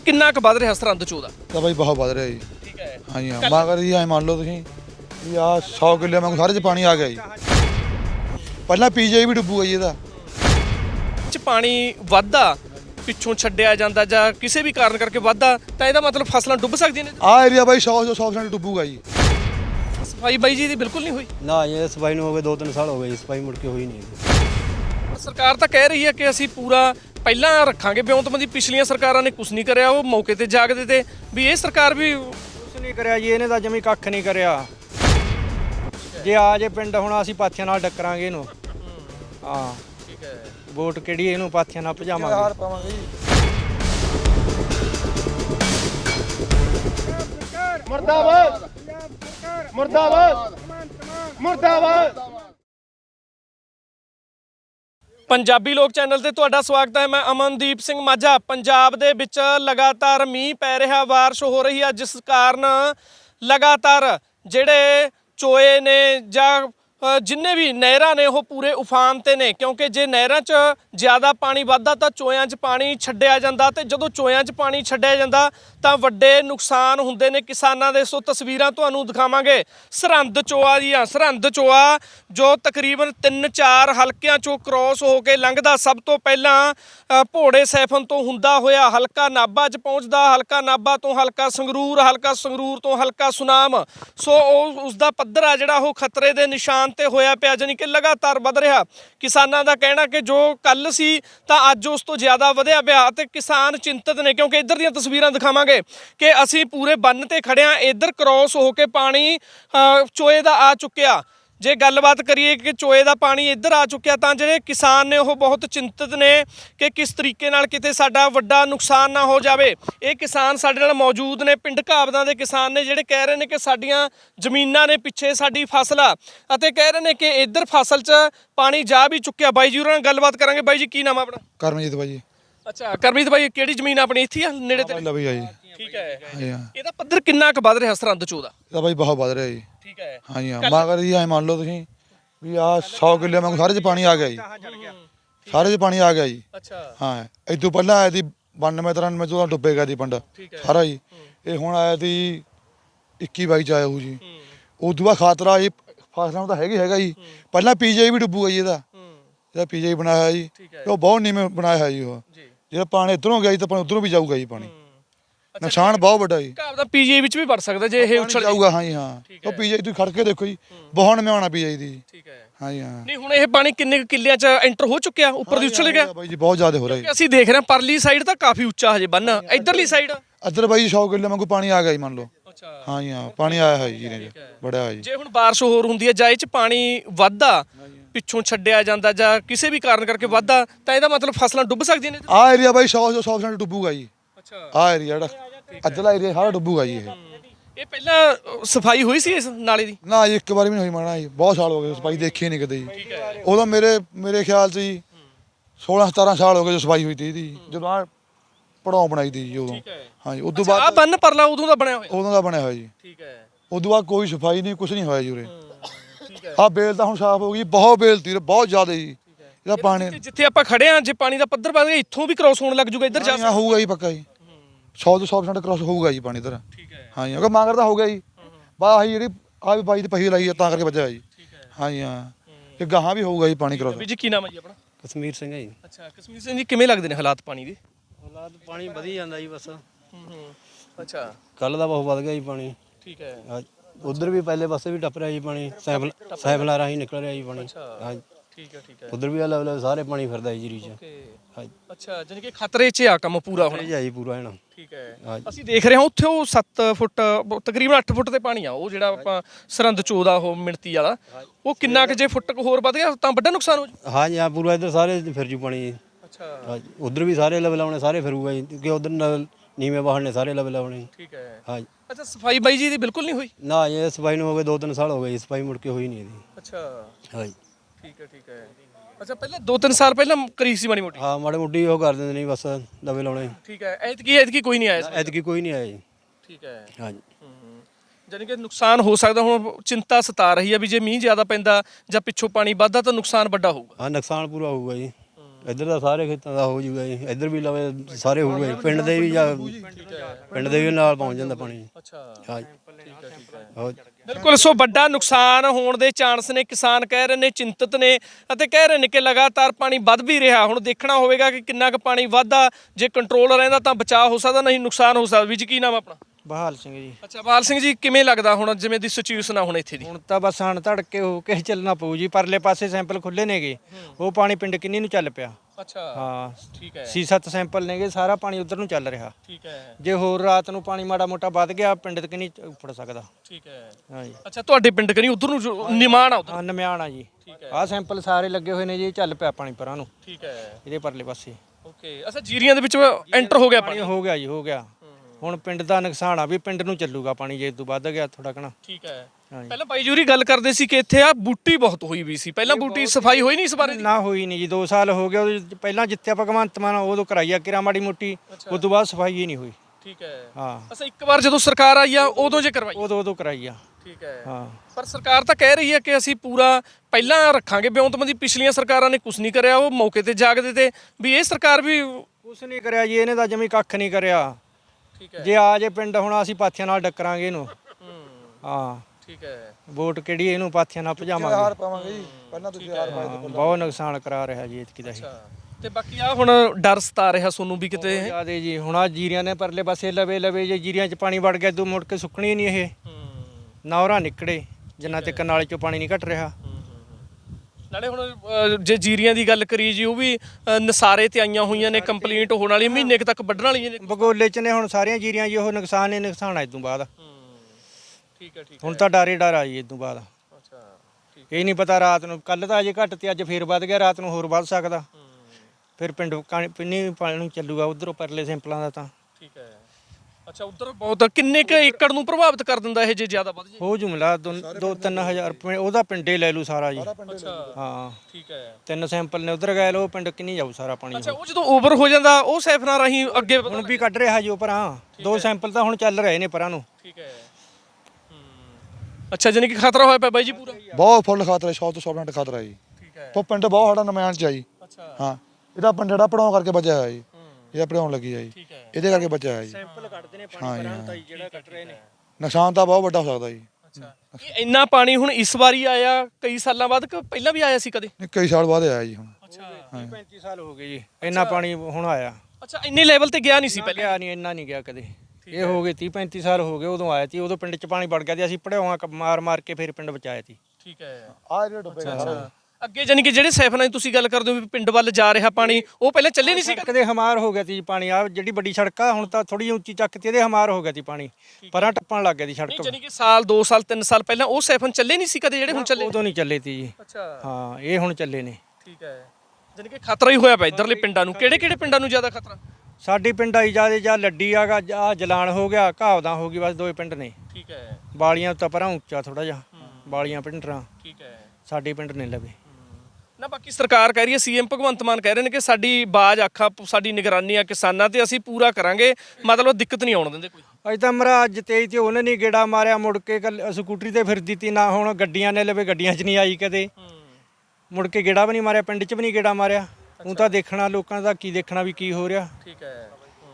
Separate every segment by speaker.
Speaker 1: ਕਿੰਨਾ ਕੁ ਵੱਧ ਰਿਹਾ ਸਰਹੰਦ ਚੋਂ ਦਾ?
Speaker 2: ਤਾਂ ਬਾਈ ਬਹੁਤ ਵੱਧ ਰਿਹਾ ਜੀ।
Speaker 1: ਠੀਕ ਹੈ।
Speaker 2: ਹਾਂਜੀ ਹਾਂ ਮਗਰ ਜੀ ਐਂ ਮੰਨ ਲਓ ਤੁਸੀਂ ਵੀ ਆਹ 100 ਕਿੱਲੇ ਵਾਂਗੂ ਸਾਰੇ 'ਚ ਪਾਣੀ ਆ ਗਿਆ ਜੀ। ਪਹਿਲਾਂ ਪੀਜੀਆਈ ਵੀ ਡੁੱਬੂਗਾ ਜੀ ਇਹਦਾ।
Speaker 1: ਚ ਪਾਣੀ ਵੱਧਦਾ ਪਿੱਛੋਂ ਛੱਡਿਆ ਜਾਂਦਾ ਜਾਂ ਕਿਸੇ ਵੀ ਕਾਰਨ ਕਰਕੇ ਵੱਧਦਾ ਤਾਂ ਇਹਦਾ ਮਤਲਬ ਫਸਲਾਂ ਡੁੱਬ ਸਕਦੀਆਂ ਨੇ।
Speaker 2: ਆਹ ਏਰੀਆ ਬਾਈ 100% ਡੁੱਬੂਗਾ ਜੀ।
Speaker 1: ਸਫਾਈ ਬਾਈ ਜੀ ਦੀ ਬਿਲਕੁਲ ਨਹੀਂ ਹੋਈ
Speaker 3: ਨਾ ਇਹ ਸਫਾਈ ਨੂੰ ਹੋ ਗਏ 2-3 ਸਾਲ ਹੋ ਗਏ, ਸਫਾਈ ਮੁੜ ਕੇ ਹੋਈ ਨਹੀਂ।
Speaker 1: ਸਰਕਾਰ ਤਾਂ ਕਹਿ ਰਹੀ ਹੈ ਕਿ ਅਸੀਂ ਪੂਰਾ ਪਹਿਲਾਂ ਰੱਖਾਂਗੇ ਵਿਉਂਤਬੰਦੀ। ਪਿਛਲੀਆਂ ਸਰਕਾਰਾਂ ਨੇ ਕੁਝ ਨਹੀਂ ਕਰਿਆ, ਉਹ ਮੌਕੇ ਤੇ ਜਾਗਦੇ ਤੇ ਵੀ ਇਹ ਸਰਕਾਰ ਵੀ
Speaker 4: ਕੁਛ ਨਹੀਂ ਕਰਿਆ ਜੀ, ਇਹਨੇ ਤਾਂ ਜਮੀ ਕੱਖ ਨਹੀਂ ਕਰਿਆ। ਜੇ ਆ ਜੇ ਪਿੰਡ ਹੁਣ ਅਸੀਂ ਪਾਥੀਆਂ ਨਾਲ ਡੱਕਰਾਂਗੇ ਇਹਨੂੰ। ਹਾਂ
Speaker 1: ਠੀਕ ਹੈ।
Speaker 4: ਵੋਟ ਕਿਹੜੀ ਇਹਨੂੰ ਪਾਥੀਆਂ ਨਾਲ ਭਜਾਵਾਂਗੇ।
Speaker 2: ਹਾਰ ਪਾਵਾਂਗੇ ਜੀ।
Speaker 5: ਮੁਰਦਾਬਾਦ ਮੁਰਦਾਬਾਦ ਮੁਰਦਾਬਾਦ।
Speaker 1: ਪੰਜਾਬੀ ਲੋਕ ਚੈਨਲ ਤੇ ਤੁਹਾਡਾ ਸਵਾਗਤ ਹੈ। ਮੈਂ ਅਮਨਦੀਪ ਸਿੰਘ ਮਾਝਾ। ਪੰਜਾਬ ਦੇ ਵਿੱਚ ਲਗਾਤਾਰ ਮੀਂਹ ਪੈ ਰਿਹਾ, ਬਾਰਿਸ਼ ਹੋ ਰਹੀ ਹੈ, ਜਿਸ ਕਾਰਨ ਲਗਾਤਾਰ ਜਿਹੜੇ ਚੋਏ ਨੇ ਜਾਂ ਜਿੰਨੇ ਵੀ ਨਹਿਰਾਂ ਨੇ ਉਹ ਪੂਰੇ ਉਫਾਨ ਤੇ ਨੇ, ਕਿਉਂਕਿ ਜੇ ਨਹਿਰਾਂ 'ਚ ਜ਼ਿਆਦਾ ਪਾਣੀ ਵੱਧਦਾ ਤਾਂ ਚੋਇਆਂ 'ਚ ਪਾਣੀ ਛੱਡਿਆ ਜਾਂਦਾ, ਤੇ ਜਦੋਂ ਚੋਇਆਂ 'ਚ ਪਾਣੀ ਛੱਡਿਆ ਜਾਂਦਾ ਤਾਂ ਵੱਡੇ ਨੁਕਸਾਨ ਹੁੰਦੇ ਨੇ ਕਿਸਾਨਾਂ ਦੇ। ਸੋ ਤਸਵੀਰਾਂ ਤੁਹਾਨੂੰ ਦਿਖਾਵਾਂਗੇ ਸਰਹੰਦ ਚੋਆ ਦੀਆਂ। ਸਰਹੰਦ ਚੋਆ ਜੋ ਤਕਰੀਬਨ 3-4 ਹਲਕਿਆਂ 'ਚੋਂ ਕ੍ਰੋਸ ਹੋ ਕੇ ਲੰਘਦਾ, ਸਭ ਤੋਂ ਪਹਿਲਾਂ ਭੋੜੇ ਸੈਫਨ ਤੋਂ ਹੁੰਦਾ ਹੋਇਆ ਹਲਕਾ ਨਾਭਾ 'ਚ ਪਹੁੰਚਦਾ, ਹਲਕਾ ਨਾਭਾ ਤੋਂ ਹਲਕਾ ਸੰਗਰੂਰ, ਹਲਕਾ ਸੰਗਰੂਰ ਤੋਂ ਹਲਕਾ ਸੁਨਾਮ। ਸੋ ਉਸ ਦਾ ਪੱਧਰ ਆ ਜਿਹੜਾ ਉਹ ਖਤਰੇ ਦੇ ਨਿਸ਼ਾਨ ਤੇ ਹੋਇਆ ਪਿਆ, ਜਾਨੀ ਕਿ ਲਗਾਤਾਰ ਵੱਧ ਰਿਹਾ। ਕਿਸਾਨਾਂ ਦਾ ਕਹਿਣਾ ਕਿ ਜੋ ਕੱਲ ਸੀ ਤਾਂ ਅੱਜ ਉਸ ਤੋਂ ਜ਼ਿਆਦਾ ਵਧਿਆ ਪਿਆ, ਤੇ ਕਿਸਾਨ ਚਿੰਤਤ ਨੇ, ਕਿਉਂਕਿ ਇੱਧਰ ਦੀਆਂ ਤਸਵੀਰਾਂ ਦਿਖਾਵਾਂਗੇ ਕਿ ਅਸੀਂ ਪੂਰੇ ਬੰਨ ਤੇ ਖੜੇ ਹਾਂ। ਇੱਧਰ ਕ੍ਰੋਸ ਹੋ ਕੇ ਪਾਣੀ ਚੋਏ ਦਾ ਆ ਚੁੱਕਿਆ। ਜੇ ਗੱਲਬਾਤ ਕਰੀਏ ਕਿ ਚੋਏ ਦਾ ਪਾਣੀ ਇੱਧਰ ਆ ਚੁੱਕਿਆ ਤਾਂ ਜਿਹੜੇ ਕਿਸਾਨ ਨੇ ਉਹ ਬਹੁਤ ਚਿੰਤਤ ਨੇ ਕਿ ਕਿਸ ਤਰੀਕੇ ਨਾਲ ਕਿਤੇ ਸਾਡਾ ਵੱਡਾ ਨੁਕਸਾਨ ਨਾ ਹੋ ਜਾਵੇ। ਇਹ ਕਿਸਾਨ ਸਾਡੇ ਨਾਲ ਮੌਜੂਦ ਨੇ, ਪਿੰਡ ਘਾਬਦਾਂ ਦੇ ਕਿਸਾਨ ਨੇ, ਜਿਹੜੇ ਕਹਿ ਰਹੇ ਨੇ ਕਿ ਸਾਡੀਆਂ ਜ਼ਮੀਨਾਂ ਨੇ ਪਿੱਛੇ ਸਾਡੀ ਫਸਲ ਆ, ਅਤੇ ਕਹਿ ਰਹੇ ਨੇ ਕਿ ਇੱਧਰ ਫਸਲ 'ਚ ਪਾਣੀ ਜਾ ਵੀ ਚੁੱਕਿਆ। ਬਾਈ ਜੀ ਉਹਨਾਂ ਨਾਲ ਗੱਲਬਾਤ ਕਰਾਂਗੇ। ਬਾਈ ਜੀ ਕੀ ਨਾਮ ਆਪਣਾ?
Speaker 2: ਕਰਮਜੀਤ ਬਾਈ ਜੀ।
Speaker 1: ਅੱਛਾ ਕਰਮਜੀਤ ਬਾਈ, ਕਿਹੜੀ ਜ਼ਮੀਨ ਆਪਣੀ ਇੱਥੇ ਆ ਨੇੜੇ ਤੇ?
Speaker 2: ਲਵੀ ਆ ਜੀ।
Speaker 1: ਠੀਕ ਹੈ।
Speaker 2: ਹਾਂਜੀ ਹਾਂ
Speaker 1: ਇਹਦਾ ਪੱਧਰ ਕਿੰਨਾ ਕੁ ਵੱਧ ਰਿਹਾ ਸਰਹੰਦ ਚੋਂ ਦਾ?
Speaker 2: ਇਹਦਾ ਬਾਈ ਬਹੁਤ ਵੱਧ ਰਿਹਾ ਜੀ।
Speaker 1: ਠੀਕ ਹੈ।
Speaker 2: ਹਾਂਜੀ ਹਾਂ ਮਗਰ ਜੀ ਐਂ ਮੰਨ ਲਓ ਤੁਸੀਂ ਵੀ ਆਹ 100 ਕਿੱਲੇ ਵਾਂਗੂ ਸਾਰੇ 'ਚ ਪਾਣੀ ਆ ਗਿਆ ਜੀ। ਸਾਰੇ 'ਚ ਪਾਣੀ ਆ ਗਿਆ ਜੀ।
Speaker 1: ਅੱਛਾ।
Speaker 2: ਹਾਂ ਇਹ ਤੋਂ ਪਹਿਲਾਂ ਆਇਆ ਸੀ 92-93 ਤੋਂ ਡੁੱਬੇਗਾ ਜੀ ਪਿੰਡ ਸਾਰਾ ਜੀ। ਇਹ ਹੁਣ ਆਇਆ ਸੀ 21-22 ਚ ਆਇਆ ਹੋ ਜੀ। ਉਦੋਂ ਬਾਅਦ ਖਾਤਰਾ ਇਹ ਫਸਲਾਂ ਤਾਂ ਹੈਗਾ ਜੀ। ਪਹਿਲਾਂ ਪੀਜੀਆਈ ਵੀ ਡੁੱਬੂਗਾ ਜੀ ਇਹਦਾ। ਇਹਦਾ ਪੀਜੀਆਈ ਬਣਾਇਆ ਹੋਇਆ ਜੀ, ਉਹ ਬਹੁਤ ਨੀਵੇਂ ਬਣਾਇਆ ਹੋਇਆ ਜੀ। ਉਹ ਜਿਹੜਾ ਪਾਣੀ ਇੱਧਰੋਂ ਗਿਆ ਜੀ ਤਾਂ ਪਾਣੀ ਉੱਧਰੋਂ ਵੀ ਜਾਊਗਾ ਜੀ। ਪਾਣੀ ਨੁਕਸਾਨ ਬਹੁਤ ਵੱਡਾ ਜੀ।
Speaker 1: ਘਾਬਦਾ ਪੀਜੀਆਈ ਵਿੱਚ ਵੀ ਵੜ ਸਕਦਾ ਜੇ ਇਹ ਉੱਛਲ
Speaker 2: ਜਾਊਗਾ। ਹਾਂਜੀ ਹਾਂ ਉਹ ਪੀਜੀਆਈ ਤੁਸੀਂ ਖੜ ਕੇ ਦੇਖੋ ਜੀ, ਬਹੁਤ ਨਮਿਆਉਣਾ ਪੀਜੀਆਈ ਦੀ।
Speaker 1: ਠੀਕ ਹੈ।
Speaker 2: ਹਾਂਜੀ ਹਾਂ
Speaker 1: ਨਹੀਂ ਹੁਣ ਇਹ ਪਾਣੀ ਕਿੰਨੇ ਕੁ ਕਿੱਲਿਆਂ 'ਚ ਐਂਟਰ ਹੋ ਚੁੱਕਿਆ, ਉੱਪਰ ਦੀ ਉੱਛਲ ਗਿਆ?
Speaker 2: ਬਾਈ ਜੀ ਬਹੁਤ ਜ਼ਿਆਦਾ ਹੋ ਰਿਹਾ ਜੀ।
Speaker 1: ਅਸੀਂ ਦੇਖ ਰਹੇ ਹਾਂ ਪਰਲੀ ਸਾਈਡ ਤਾਂ ਕਾਫੀ ਉੱਚਾ ਹਜੇ ਬੰਨ, ਇੱਧਰਲੀ ਸਾਈਡ
Speaker 2: ਇੱਧਰ ਬਾਈ 100 ਕਿੱਲੇ ਵਾਂਗੂ ਪਾਣੀ ਆ ਗਿਆ ਜੀ ਮੰਨ ਲਓ।
Speaker 1: ਅੱਛਾ।
Speaker 2: ਹਾਂਜੀ ਹਾਂ ਪਾਣੀ ਆਇਆ ਹੈ ਜੀ ਨੇ ਬੜਿਆ ਹੋਇਆ ਜੀ।
Speaker 1: ਜੇ ਹੁਣ ਬਾਰਿਸ਼ ਹੋਰ ਹੁੰਦੀ ਹੈ ਜਾਂ ਇਹ 'ਚ ਪਾਣੀ ਵੱਧਦਾ ਪਿੱਛੋਂ ਛੱਡਿਆ ਜਾਂਦਾ ਜਾਂ ਕਿਸੇ ਵੀ ਕਾਰਨ ਕਰਕੇ ਵੱਧਦਾ ਤਾਂ ਇਹਦਾ ਮਤਲਬ ਫਸਲਾਂ ਡੁੱਬ ਸਕਦੀਆਂ ਨੇ।
Speaker 2: ਆਹ ਏਰੀਆ ਬਾਈ 100% ਡੁੱਬੂਗਾ ਜੀ।
Speaker 1: ਅੱਛਾ।
Speaker 2: ਆਹ ਏਰੀਆ ਜਿਹੜਾ ਅੱਧਲਾ ਏਰੀਆ ਸਾਰਾ ਡੁੱਬੂਗਾ ਜੀ।
Speaker 1: ਇਹ ਪਹਿਲਾਂ ਸਫਾਈ ਹੋਈ ਸੀ ਇਸ ਨਾਲੇ ਦੀ?
Speaker 2: ਨਾ ਜੀ ਇੱਕ ਵਾਰੀ ਵੀ ਨਹੀਂ ਹੋਈ ਮਾਣਾ ਜੀ। ਬਹੁਤ ਸਾਲ ਹੋ ਗਏ ਸਫਾਈ ਦੇਖੀ ਨਹੀਂ ਕਿਤੇ ਜੀ। ਉਦੋਂ ਮੇਰੇ ਖਿਆਲ 'ਚ ਜੀ 16-17 ਸਾਲ ਹੋ ਗਏ ਜੋ ਸਫਾਈ ਹੋਈ ਤੀ ਇਹਦੀ, ਜਦੋਂ ਆਹ ਪੜਾਉ ਬਣਾਈ ਤੀ ਜੀ ਉਦੋਂ। ਹਾਂਜੀ ਉਦੋਂ
Speaker 1: ਆ
Speaker 2: ਬਾਅਦ
Speaker 1: ਬੰਨ ਪਰਲਾ ਉਦੋਂ ਦਾ ਬਣਿਆ ਹੋਇਆ?
Speaker 2: ਉਦੋਂ ਦਾ ਬਣਿਆ ਹੋਇਆ ਜੀ।
Speaker 1: ਠੀਕ ਹੈ।
Speaker 2: ਉਦੋਂ ਬਾਅਦ ਕੋਈ ਸਫਾਈ ਨਹੀਂ, ਕੁਝ ਨਹੀਂ ਹੋਇਆ ਜੀ ਉਰੇ। ਆਹ ਬੇਲ ਤਾਂ ਹੁਣ ਸਾਫ਼ ਹੋ ਗਈ, ਬਹੁਤ ਬੇਲ ਤੀ ਬਹੁਤ ਜ਼ਿਆਦਾ ਜੀ। ਇਹਦਾ ਪਾਣੀ
Speaker 1: ਜਿੱਥੇ ਆਪਾਂ ਖੜੇ ਆ, ਜੇ ਪਾਣੀ ਦਾ ਪੱਧਰ ਵੱਧ ਗਿਆ ਇੱਥੋਂ ਵੀ ਕ੍ਰੋਸ ਹੋਣ ਲੱਗ ਜੂਗਾ ਇੱਧਰ ਜਾ।
Speaker 2: ਹੋਊਗਾ ਜੀ ਪੱਕਾ ਜੀ। 100% ਕ੍ਰਾਸ ਹੋਊਗਾ ਜੀ ਪਾਣੀ ਇੱਧਰ।
Speaker 1: ਠੀਕ ਹੈ।
Speaker 2: ਹਾਂਜੀ ਅਗਰ ਮੰਗਰ ਤਾਂ ਹੋ ਗਿਆ ਜੀ। ਬਾ ਆਹੀ ਜਿਹੜੀ ਆ ਵੀ ਬਾਈ ਦੀ ਪਹੀ ਲਾਈ ਆ ਤਾਂ ਕਰਕੇ ਵੱਜਿਆ ਜੀ। ਹਾਂਜੀ ਹਾਂ ਤੇ ਗਾਹਾਂ ਵੀ ਹੋਊਗਾ ਜੀ ਪਾਣੀ ਕ੍ਰਾਸ।
Speaker 1: ਵੀ ਜੀ ਕੀ ਨਾਮ ਹੈ ਜੀ ਆਪਣਾ?
Speaker 3: ਕਸ਼ਮੀਰ ਸਿੰਘ ਹੈ ਜੀ।
Speaker 1: ਅੱਛਾ ਕਸ਼ਮੀਰ ਸਿੰਘ ਜੀ, ਕਿਵੇਂ ਲੱਗਦੇ ਨੇ ਹਾਲਾਤ ਪਾਣੀ ਦੇ?
Speaker 3: ਹਾਲਾਤ ਪਾਣੀ ਵਧੀ ਜਾਂਦਾ ਜੀ ਬਸ।
Speaker 1: ਅੱਛਾ।
Speaker 3: ਕੱਲ ਦਾ ਬਹੁਤ ਵੱਧ ਗਿਆ ਜੀ ਪਾਣੀ।
Speaker 1: ਠੀਕ ਹੈ।
Speaker 3: ਉਧਰ ਵੀ ਪਹਿਲੇ ਪਾਸੇ ਵੀ ਟੱਪ ਰਿਹਾ ਜੀ ਪਾਣੀ, ਸਾਈਬਲਾ ਰਾਹੀਂ ਨਿਕਲ ਰਿਹਾ ਜੀ ਪਾਣੀ। ਹਾਂ
Speaker 1: ਠੀਕ ਹੈ।
Speaker 3: ਉਧਰ ਵੀ ਲੈਵਲ ਸਾਰੇ ਪਾਣੀ ਫਿਰਦਾ ਜੀ ਰੀਚ। ਹਾਂ
Speaker 1: ਅੱਛਾ ਜਾਨੀ ਕਿ ਖਤਰੇ 'ਚ ਆ ਕੰਮ ਪੂਰਾ ਹੁਣ।
Speaker 3: ਜੀ ਪੂਰਾ ਹੈ ਨਾ।
Speaker 1: ਠੀਕ ਹੈ। ਅਸੀਂ ਦੇਖ ਰਹੇ ਹਾਂ ਉੱਥੇ ਉਹ 7 ਫੁੱਟ ਤਕਰੀਬਨ 8 ਫੁੱਟ ਤੇ ਪਾਣੀ ਆ, ਉਹ ਜਿਹੜਾ ਆਪਾਂ ਸਰਹੰਦ ਚੋਅ ਦਾ ਉਹ ਮਿਣਤੀ ਵਾਲਾ, ਉਹ ਕਿੰਨਾ ਕੁ ਜੇ ਫੁੱਟ ਹੋਰ ਵੱਧ ਗਿਆ ਤਾਂ ਵੱਡਾ ਨੁਕਸਾਨ ਹੋ ਜੂ?
Speaker 3: ਹਾਂ ਜੀ ਪੂਰਾ ਇੱਧਰ ਸਾਰੇ ਫਿਰ ਜੂ ਪਾਣੀ।
Speaker 1: ਅੱਛਾ।
Speaker 3: ਉਧਰ ਵੀ ਸਾਰੇ ਲੈਵਲ ਆਉਣੇ, ਸਾਰੇ ਫਿਰੂਗਾ ਜੀ, ਕਿਉਂਕਿ ਉਧਰ ਨੀਵੇਂ ਬਾਹਰ ਨੇ ਸਾਰੇ ਲੈਵਲ ਆਉਣੇ।
Speaker 1: ਠੀਕ ਹੈ।
Speaker 3: ਹਾਂ
Speaker 1: ਅੱਛਾ ਸਫਾਈ ਬਾਈ ਜੀ ਦੀ ਬਿਲਕੁਲ ਨਹੀਂ ਹੋਈ?
Speaker 3: ਨਾ ਇਹ ਸਫਾਈ ਨੂੰ ਹੋ ਗਏ 2-3 ਸਾਲ ਹੋ ਗਏ, ਸਫਾਈ ਮੁੜ ਕੇ ਹੋਈ ਨਹੀਂ ਇਹਦੀ।
Speaker 1: ਅੱਛਾ।
Speaker 3: ਹਾਂ ਜੀ
Speaker 1: ਠੀਕ ਹੈ। ਅੱਛਾ ਪਹਿਲਾਂ 2-3 ਸਾਲ ਪਹਿਲਾਂ ਕਰੀ ਸੀ ਮਾੜੀ ਮੋਟੀ?
Speaker 3: ਹਾਂ ਮਾੜੀ ਮੋਟੀ ਉਹ ਕਰ ਦਿੰਦੇ ਨਹੀਂ ਬਸ ਦਵੇ ਲਾਉਣੇ।
Speaker 1: ਠੀਕ ਹੈ। ਐਤਕੀ ਕੋਈ ਨਹੀਂ ਆਇਆ?
Speaker 3: ਐਤਕੀ ਕੋਈ ਨਹੀਂ ਆਇਆ ਜੀ।
Speaker 1: ਠੀਕ ਹੈ।
Speaker 3: ਹਾਂ ਜੀ
Speaker 1: ਜਾਨੀ ਕਿ ਨੁਕਸਾਨ ਹੋ ਸਕਦਾ। ਹੁਣ ਚਿੰਤਾ ਸਤਾ ਰਹੀ ਹੈ ਵੀ ਜੇ ਮੀਂਹ ਜ਼ਿਆਦਾ ਪੈਂਦਾ ਜਾਂ ਪਿੱਛੋਂ ਪਾਣੀ ਵੱਧਦਾ ਤਾਂ ਨੁਕਸਾਨ ਵੱਡਾ ਹੋਊਗਾ।
Speaker 3: ਹਾਂ ਨੁਕਸਾਨ ਪੂਰਾ ਹੋਊਗਾ ਜੀ। ਇੱਧਰ ਦਾ ਸਾਰੇ ਖੇਤਾਂ ਦਾ ਹੋ ਜੂਗਾ ਜੀ, ਇੱਧਰ ਵੀ ਲਵੇ ਸਾਰੇ ਹੋਊਗਾ ਜੀ, ਪਿੰਡ ਦੇ ਵੀ ਪਿੰਡ ਦੇ ਵੀ ਨਾਲ ਪਹੁੰਚ ਜਾਂਦਾ ਪਾਣੀ।
Speaker 1: ਅੱਛਾ
Speaker 3: ਹਾਂ ਹੋਰ
Speaker 1: ਬਿਲਕੁਲ। ਸੋ ਵੱਡਾ ਨੁਕਸਾਨ ਹੋਣ ਦੇ ਚਾਂਸ ਨੇ, ਕਿਸਾਨ ਕਹਿ ਰਹੇ ਨੇ, ਚਿੰਤਤ ਨੇ ਅਤੇ ਕਹਿ ਰਹੇ ਨੇ ਕਿ ਲਗਾਤਾਰ ਪਾਣੀ ਵੱਧ ਵੀ ਰਿਹਾ। ਹੁਣ ਦੇਖਣਾ ਹੋਵੇਗਾ ਕਿ ਕਿੰਨਾ ਕੁ ਪਾਣੀ ਵੱਧਦਾ, ਜੇ ਕੰਟਰੋਲ ਰਹਿੰਦਾ ਤਾਂ ਬਚਾਅ ਹੋ ਸਕਦਾ, ਨਹੀਂ ਨੁਕਸਾਨ ਹੋ ਸਕਦਾ। ਵੀ ਜੀ ਕੀ ਨਾਮ ਆਪਣਾ?
Speaker 4: ਬਹਾਲ ਸਿੰਘ ਜੀ।
Speaker 1: ਅੱਛਾ ਬਹਾਲ ਸਿੰਘ ਜੀ, ਕਿਵੇਂ ਲੱਗਦਾ ਹੁਣ ਜਿਵੇਂ ਦੀ ਸਿਚੁਏਸ਼ਨ ਆ ਹੁਣ ਇੱਥੇ ਦੀ?
Speaker 4: ਹੁਣ ਤਾਂ ਬਸ ਹਣ ਧੜਕੇ ਹੋ ਕੇ ਚੱਲਣਾ ਪਊ ਜੀ। ਪਰਲੇ ਪਾਸੇ ਸੈਂਪਲ ਖੁੱਲੇ ਨੇਗੇ, ਉਹ ਪਾਣੀ ਪਿੰਡ ਕਿੰਨੀ ਨੂੰ ਚੱਲ ਪਿਆ।
Speaker 1: ਅੱਛਾ
Speaker 4: ਹਾਂ
Speaker 1: ਠੀਕ ਹੈ
Speaker 4: 6-7 ਸੈਂਪਲ ਨੇਗੇ, ਸਾਰਾ ਪਾਣੀ ਉਧਰ ਨੂੰ ਚੱਲ ਰਿਹਾ।
Speaker 1: ਠੀਕ ਹੈ
Speaker 4: ਜੇ ਹੋਰ ਰਾਤ ਨੂੰ ਪਾਣੀ ਮਾੜਾ ਮੋਟਾ ਵੱਧ ਗਿਆ, ਪਿੰਡ ਤੱਕ ਨਹੀਂ ਉੱਪੜ ਸਕਦਾ।
Speaker 1: ਠੀਕ ਹੈ।
Speaker 4: ਹਾਂ ਜੀ।
Speaker 1: ਅੱਛਾ ਤੁਹਾਡੇ ਪਿੰਡ ਕਰੀ ਉਧਰ ਨੂੰ ਨਿਮਾਣ ਆ ਉਧਰ?
Speaker 4: ਹਾਂ ਨਮਿਆਣਾ ਜੀ।
Speaker 1: ਠੀਕ ਹੈ।
Speaker 4: ਆਹ ਸੈਂਪਲ ਸਾਰੇ ਲੱਗੇ ਹੋਏ ਨੇ ਜੀ, ਚੱਲ ਪਿਆ ਪਾਣੀ ਪਰਾਂ ਨੂੰ,
Speaker 1: ਠੀਕ ਹੈ
Speaker 4: ਇਹਦੇ ਪਰਲੇ ਪਾਸੇ
Speaker 1: ਓਕੇ। ਅੱਛਾ ਜੀਰੀਆਂ ਦੇ ਵਿੱਚ ਐਂਟਰ ਹੋ ਗਿਆ
Speaker 4: ਪਾਣੀ
Speaker 1: ਪਾਣੀ?
Speaker 4: ਹੋ ਗਿਆ ਜੀ, ਹੋ ਗਿਆ। ਹੁਣ ਪਿੰਡ ਦਾ ਨੁਕਸਾਨ ਆ ਵੀ ਪਿੰਡ ਨੂੰ ਚੱਲੂਗਾ ਪਾਣੀ ਜੇ ਇਦੋਂ ਵੱਧ ਗਿਆ ਥੋੜਾ ਕਣਾ।
Speaker 1: ਠੀਕ ਹੈ।
Speaker 4: ਹਾਂ ਜੀ।
Speaker 1: ਪਹਿਲਾਂ ਬਾਈ ਜੂਰੀ ਗੱਲ ਕਰਦੇ ਸੀ ਕਿ ਇੱਥੇ ਆ ਬੂਟੀ ਬਹੁਤ ਹੋਈ ਵੀ ਸੀ, ਪਹਿਲਾਂ ਬੂਟੀ ਸਫਾਈ ਹੋਈ ਨਹੀਂ ਇਸ ਬਾਰੇ?
Speaker 4: ਨਾ ਹੋਈ ਨਹੀਂ ਜੀ, 2 ਸਾਲ ਹੋ ਗਏ। ਉਹਦੇ ਪਹਿਲਾਂ ਜਿੱਥੇ ਭਗਵੰਤ ਮਾਨ ਉਦੋਂ ਕਰਾਈ ਆ ਕਿਰਾ ਮਾੜੀ ਮੋਟੀ, ਉਦੋਂ ਬਾਅਦ ਸਫਾਈ ਹੀ ਨਹੀਂ ਹੋਈ।
Speaker 1: ਠੀਕ ਹੈ।
Speaker 4: ਹਾਂ
Speaker 1: ਅੱਛਾ ਇੱਕ ਵਾਰ ਜਦੋਂ ਸਰਕਾਰ ਆਈ ਆ ਉਦੋਂ ਜੇ ਕਰਵਾਈ?
Speaker 4: ਉਦੋਂ ਕਰਾਈ ਆ।
Speaker 1: ਠੀਕ ਹੈ।
Speaker 4: ਹਾਂ
Speaker 1: ਪਰ ਸਰਕਾਰ ਤਾਂ ਕਹਿ ਰਹੀ ਹੈ ਕਿ ਅਸੀਂ ਪੂਰਾ ਪਹਿਲਾਂ ਰੱਖਾਂਗੇ ਬਿਉਂਤਮੰਦੀ। ਪਿਛਲੀਆਂ ਸਰਕਾਰਾਂ ਨੇ ਕੁਝ ਨਹੀਂ ਕਰਿਆ, ਉਹ ਮੌਕੇ ਤੇ ਜਾਗਦੇ ਤੇ ਵੀ ਇਹ ਸਰਕਾਰ ਵੀ।
Speaker 4: ਕੁਛ ਨਹੀਂ ਕਰਿਆ ਜੀ, ਇਹਨੇ ਤਾਂ ਜਮੀ ਕੱਖ ਨਹੀਂ ਕਰਿਆ।
Speaker 1: ਠੀਕ ਹੈ।
Speaker 4: ਜੇ ਆ ਜੇ ਪਿੰਡ ਹੁਣ ਅਸੀਂ ਪਾਥੀਆਂ ਨਾਲ ਡੱਕਰਾਂਗੇ ਇਹਨੂੰ। ਹਾਂ
Speaker 1: ਠੀਕ ਹੈ।
Speaker 4: ਵੋਟ ਕਿਹੜੀ ਇਹਨੂੰ ਪਾਥੀਆਂ ਨਾਲ
Speaker 2: ਹਾਰ
Speaker 4: ਭਜਾਵਾਂਗੇ।
Speaker 2: ਪਾਵਾਂਗੇ ਜੀ, ਪਹਿਲਾਂ ਤੁਸੀਂ ਹਾਰ ਪਾਏ ਤੇ
Speaker 4: ਬਹੁਤ ਨੁਕਸਾਨ ਕਰਾ ਰਿਹਾ ਜੀ ਇਤਕੀ ਦਾ ਇਹ।
Speaker 1: ਤੇ ਬਾਕੀ ਆ ਹੁਣ ਡਰ ਸਤਾ ਰਿਹਾ ਸੋਨੂੰ ਵੀ ਕਿਤੇ ਇਹ?
Speaker 4: ਜਿਆਦੇ ਜੀ। ਹੁਣ ਆ ਜੀਰੀਆਂ ਨੇ ਪਰਲੇ ਪਾਸੇ ਲਵੇ ਜੇ ਜੀਰੀਆਂ 'ਚ ਪਾਣੀ ਵੜ ਗਿਆ ਤੂੰ ਮੁੜ ਕੇ ਸੁੱਕਣੀ ਨਹੀਂ ਇਹ, ਨੌਰਾ ਨਿਕੜੇ ਜਿੰਨਾ ਤੱਕ ਨਾਲੇ 'ਚੋਂ ਪਾਣੀ ਨਹੀਂ ਘਟ ਰਿਹਾ।
Speaker 1: ਨਾਲੇ ਹੁਣ ਜੇ ਜੀਰੀਆਂ ਦੀ ਗੱਲ ਕਰੀ ਜੀ, ਉਹ ਵੀ ਨਸਾਰੇ ਤੇ ਆਈਆਂ ਹੋਈਆਂ ਨੇ, ਕੰਪਲੀਟ ਹੋਣ ਵਾਲੀ, ਮਹੀਨੇ ਕੁ ਤੱਕ ਵੱਢਣ ਵਾਲੀਆਂ ਨੇ।
Speaker 4: ਬਗੋਲੇ 'ਚ ਨੇ ਹੁਣ ਸਾਰੀਆਂ ਜੀਰੀਆਂ ਜੀ, ਉਹ ਨੁਕਸਾਨ ਹੀ ਨੁਕਸਾਨ ਆ ਇਦੋਂ ਬਾਅਦ।
Speaker 1: ਠੀਕ ਹੈ। ਠੀਕ
Speaker 4: ਹੁਣ ਤਾਂ ਡਰ ਹੀ ਡਰ ਆ ਜੀ ਇਦੋਂ ਬਾਅਦ।
Speaker 1: ਅੱਛਾ ਠੀਕ।
Speaker 4: ਇਹ ਨਹੀਂ ਪਤਾ ਰਾਤ ਨੂੰ, ਕੱਲ ਤਾਂ ਅਜੇ ਘੱਟ ਤੇ ਅੱਜ ਫੇਰ ਵੱਧ ਗਿਆ, ਰਾਤ ਨੂੰ ਹੋਰ ਵੱਧ ਸਕਦਾ। ਫਿਰ ਪਿੰਡ ਪਿੰਨੀ ਪਾਣੀ ਚੱਲੂਗਾ ਉਧਰੋਂ ਪਰਲੇ ਸੈਂਪਲਾਂ ਦਾ ਤਾਂ।
Speaker 1: ਠੀਕ ਹੈ। ਅੱਛਾ ਉਧਰ ਬਹੁਤ ਕਿੰਨੇ ਕ ਏਕੜ ਨੂੰ ਪ੍ਰਭਾਵਿਤ ਕਰ ਦਿੰਦਾ ਇਹ ਜੇ ਜ਼ਿਆਦਾ ਵੱਧ ਜੇ?
Speaker 4: ਹੋ ਜੁਮਲਾ 2-3 ਹਜ਼ਾਰ ਰੁਪਏ ਉਹਦਾ ਪਿੰਡੇ ਲੈ ਲੂ ਸਾਰਾ ਜੀ।
Speaker 1: ਅੱਛਾ
Speaker 4: ਹਾਂ
Speaker 1: ਠੀਕ ਹੈ।
Speaker 4: 3 ਸੈਂਪਲ ਨੇ ਉਧਰ ਗਏ, ਲੋ ਪਿੰਡ ਕਿੰਨੀ ਜਾਊ ਸਾਰਾ ਪਾਣੀ।
Speaker 1: ਅੱਛਾ ਉਹ ਜਦੋਂ ਓਵਰ ਹੋ ਜਾਂਦਾ ਉਹ ਸੈਫਰਾਂ ਰਾਹੀਂ ਅੱਗੇ
Speaker 4: ਹੁਣ ਵੀ ਕੱਢ ਰਿਹਾ ਜੀ ਉਹ ਪਰਾਂ। 2 ਸੈਂਪਲ ਤਾਂ ਹੁਣ ਚੱਲ ਰਹੇ ਨੇ ਪਰਾਂ ਨੂੰ।
Speaker 1: ਠੀਕ ਹੈ। ਅੱਛਾ ਜਾਨੀ ਕਿ ਖਤਰਾ ਹੋਇਆ ਪਿਆ ਬਾਈ ਜੀ ਪੂਰਾ?
Speaker 2: ਬਹੁਤ ਫੁੱਲ ਖਤਰਾ, 100 ਤੋਂ 100% ਖਤਰਾ ਜੀ।
Speaker 1: ਠੀਕ ਹੈ।
Speaker 2: ਉਹ ਪਿੰਡ ਬਹੁਤ ਸਾਡਾ ਨਮਾਇਣ ਚ ਆ ਜੀ।
Speaker 1: ਅੱਛਾ
Speaker 2: ਹਾਂ ਇਹਦਾ ਪਿੰਡ ਜਿਹੜਾ ਪੜਾਉਣ ਕਰਕੇ ਬਚਿਆ ਹੋਇਆ ਜੀ, ਇਹ ਪੜਾਉਣ ਲੱਗੀ ਆ ਜੀ,
Speaker 1: ਠੀਕ ਹੈ।
Speaker 2: ਇਹਦੇ ਕਰਕੇ ਬਚਿਆ ਹੋਇਆ ਜੀ।
Speaker 4: ਸੈਂਪਲ ਕੱਢਦੇ ਨੇ ਪਾਣੀ ਪਰਾਂ ਨੂੰ ਤਾਂ ਜਿਹੜਾ ਕੱਢ ਰਹੇ ਨੇ।
Speaker 2: ਨੁਕਸਾਨ ਤਾਂ ਬਹੁਤ ਵੱਡਾ ਹੋ ਸਕਦਾ ਜੀ।
Speaker 1: ਅੱਛਾ ਇਹ ਇੰਨਾ ਪਾਣੀ ਹੁਣ ਇਸ ਵਾਰੀ ਆਇਆ ਕਈ ਸਾਲਾਂ ਬਾਅਦ ਕਿ ਪਹਿਲਾਂ ਵੀ ਆਇਆ ਸੀ ਕਦੇ?
Speaker 2: ਨਹੀਂ ਕਈ ਸਾਲ ਬਾਅਦ ਆਇਆ ਜੀ ਹੁਣ।
Speaker 1: ਅੱਛਾ
Speaker 4: 35 ਸਾਲ ਹੋ ਗਏ ਜੀ ਇੰਨਾ ਪਾਣੀ ਹੁਣ ਆਇਆ।
Speaker 1: ਅੱਛਾ ਇੰਨੇ ਲੈਵਲ ਤੇ ਗਿਆ ਨਹੀਂ ਸੀ ਪਹਿਲਾਂ?
Speaker 4: ਗਿਆ ਨਹੀਂ, ਇੰਨਾ ਨਹੀਂ ਗਿਆ ਕਦੇ। ਇਹ ਹੋ ਗਏ 30-35 ਸਾਲ ਹੋ ਗਏ, ਉਦੋਂ ਆਇਆ ਸੀ। ਉਦੋਂ ਪਿੰਡ 'ਚ ਪਾਣੀ ਵੜ ਗਿਆ ਸੀ, ਅਸੀਂ ਪੜਿਆਵਾਂ ਮਾਰ ਕੇ ਫਿਰ ਪਿੰਡ ਬਚਾਇਆ ਸੀ।
Speaker 1: ਠੀਕ ਹੈ।
Speaker 2: ਆਹ ਜਿਹੜੇ ਡੁੱਬੇ
Speaker 1: ਅੱਗੇ ਜਾਨੀ ਕਿ ਜਿਹੜੇ ਸੈਫਰਾਂ ਦੀ ਤੁਸੀਂ ਗੱਲ ਕਰਦੇ ਹੋ ਵੀ ਪਿੰਡ ਵੱਲ ਜਾ ਰਿਹਾ ਪਾਣੀ, ਉਹ ਪਹਿਲਾਂ ਚੱਲੇ ਨਹੀਂ ਸੀ?
Speaker 4: ਕਦੇ ਹਮਾਰ ਹੋ ਗਿਆ ਸੀ ਪਾਣੀ। ਆ ਜਿਹੜੀ ਵੱਡੀ ਸੜਕ ਆ ਹੁਣ ਤਾਂ ਥੋੜੀ ਉੱਚੀ ਚੱਕਤੀ, ਇਹਦੇ ਹਮਾਰ ਹੋ ਗਿਆ ਸੀ ਪਾਣੀ, ਪਰਾਂ ਟੱਪਣ ਲੱਗ ਗਿਆ ਸੀ
Speaker 1: ਨਹੀਂ
Speaker 4: ਸੜਕ।
Speaker 1: ਜਾਨੀ ਕਿ ਸਾਲ 2 ਸਾਲ 3 ਸਾਲ ਪਹਿਲਾਂ ਉਹ ਸੈਫਨ ਚੱਲੇ ਨਹੀਂ ਸੀ ਕਦੇ ਜਿਹੜੇ ਹੁਣ ਚੱਲੇ?
Speaker 4: ਉਦੋਂ ਨਹੀਂ ਚੱਲੇ ਸੀ ਜੀ।
Speaker 1: ਅੱਛਾ
Speaker 4: ਹਾਂ ਇਹ ਹੁਣ ਚੱਲੇ ਨੇ।
Speaker 1: ਠੀਕ ਹੈ। ਜਾਨੀ ਕਿ ਖਤਰਾ ਹੀ ਹੋਇਆ ਪਿਆ ਇਧਰਲੇ ਪਿੰਡਾਂ ਨੂੰ। ਕਿਹੜੇ ਕਿਹੜੇ ਪਿੰਡਾਂ ਨੂੰ ਜ਼ਿਆਦਾ ਖਤਰਾ?
Speaker 4: ਸਾਡੀ ਪਿੰਡ ਆਈ ਜਿਆਦੇ ਜਾਂ ਲੱਡੀ ਆਗਾ, ਆ ਜਲਾਣ ਹੋ ਗਿਆ, ਘਾਵਦਾਂ ਹੋ ਗਈ, ਬਸ 2 ਪਿੰਡ ਨੇ।
Speaker 1: ਠੀਕ ਹੈ।
Speaker 4: ਬਾਲੀਆਂ ਤਾਂ ਪਰਾਂ ਉੱਚਾ ਥੋੜਾ ਜਿਹਾ, ਬਾਲੀਆਂ ਪਿੰਡਰਾਂ।
Speaker 1: ਠੀਕ ਹੈ।
Speaker 4: ਸਾਡੇ ਪਿੰਡ ਨੇ ਲਵੇ।
Speaker 1: ਨਾ ਬਾਕੀ ਸਰਕਾਰ ਕਹਿ ਰਹੀ ਹੈ, ਸੀਐਮ ਭਗਵੰਤ ਮਾਨ ਕਹਿ ਰਹੇ ਨੇ ਕਿ ਸਾਡੀ ਬਾਜ ਅੱਖਾਂ, ਸਾਡੀ ਨਿਗਰਾਨੀ ਆ ਕਿਸਾਨਾਂ ਤੇ, ਅਸੀਂ ਪੂਰਾ ਕਰਾਂਗੇ, ਮਤਲਬ ਦਿੱਕਤ ਨਹੀਂ ਆਉਣ ਦਿੰਦੇ ਕੋਈ।
Speaker 4: ਅੱਜ ਤਾਂ ਮਹਾਰਾਜ ਤੇਜ ਤੇ ਉਹਨੇ ਨਹੀਂ ਗੇੜਾ ਮਾਰਿਆ, ਮੁੜ ਕੇ ਸਕੂਟਰੀ ਤੇ ਫਿਰਦੀ ਤੀ ਨਾ। ਹੁਣ ਗੱਡੀਆਂ ਨੇ ਲਵੇ, ਗੱਡੀਆਂ 'ਚ ਨਹੀਂ ਆਈ ਕਦੇ, ਮੁੜ ਕੇ ਗੇੜਾ ਵੀ ਨਹੀਂ ਮਾਰਿਆ, ਪਿੰਡ 'ਚ ਵੀ ਨਹੀਂ ਗੇੜਾ ਮਾਰਿਆ। ਹੁਣ ਤਾਂ ਦੇਖਣਾ ਲੋਕਾਂ ਦਾ, ਕੀ ਦੇਖਣਾ ਵੀ ਕੀ ਹੋ ਰਿਹਾ।
Speaker 1: ਠੀਕ ਹੈ।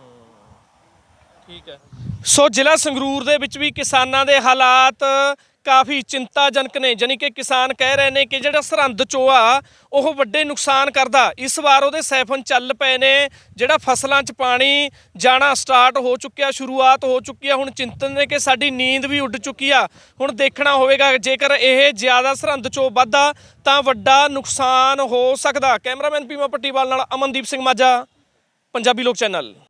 Speaker 1: ਠੀਕ ਹੈ। ਸੋ ਜ਼ਿਲ੍ਹਾ ਸੰਗਰੂਰ ਦੇ ਵਿੱਚ ਵੀ ਕਿਸਾਨਾਂ ਦੇ ਹਾਲਾਤ ਕਾਫੀ ਚਿੰਤਾਜਨਕ ਨੇ। ਜਾਨੀ ਕਿ ਕਿਸਾਨ ਕਹਿ ਰਹੇ ਨੇ ਕਿ ਜਿਹੜਾ ਸਰਹੰਦ ਚੋਆ ਉਹ ਵੱਡੇ ਨੁਕਸਾਨ ਕਰਦਾ। ਇਸ ਵਾਰ ਉਹਦੇ ਸੈਫਨ ਚੱਲ ਪਏ ਨੇ, ਜਿਹੜਾ ਫਸਲਾਂ 'ਚ ਪਾਣੀ ਜਾਣਾ ਸਟਾਰਟ ਹੋ ਚੁੱਕਿਆ, ਸ਼ੁਰੂਆਤ ਹੋ ਚੁੱਕੀ ਆ। ਹੁਣ ਚਿੰਤਨ ਨੇ ਕਿ ਸਾਡੀ ਨੀਂਦ ਵੀ ਉੱਡ ਚੁੱਕੀ ਆ। ਹੁਣ ਦੇਖਣਾ ਹੋਵੇਗਾ ਜੇਕਰ ਇਹ ਜ਼ਿਆਦਾ ਸਰਹੰਦ ਚੋਂ ਵੱਧਦਾ ਤਾਂ ਵੱਡਾ ਨੁਕਸਾਨ ਹੋ ਸਕਦਾ। ਕੈਮਰਾਮੈਨ ਪੀਮਾ ਪੱਟੀਵਾਲ ਨਾਲ ਅਮਨਦੀਪ ਸਿੰਘ ਮਾਝਾ, ਪੰਜਾਬੀ ਲੋਕ ਚੈਨਲ।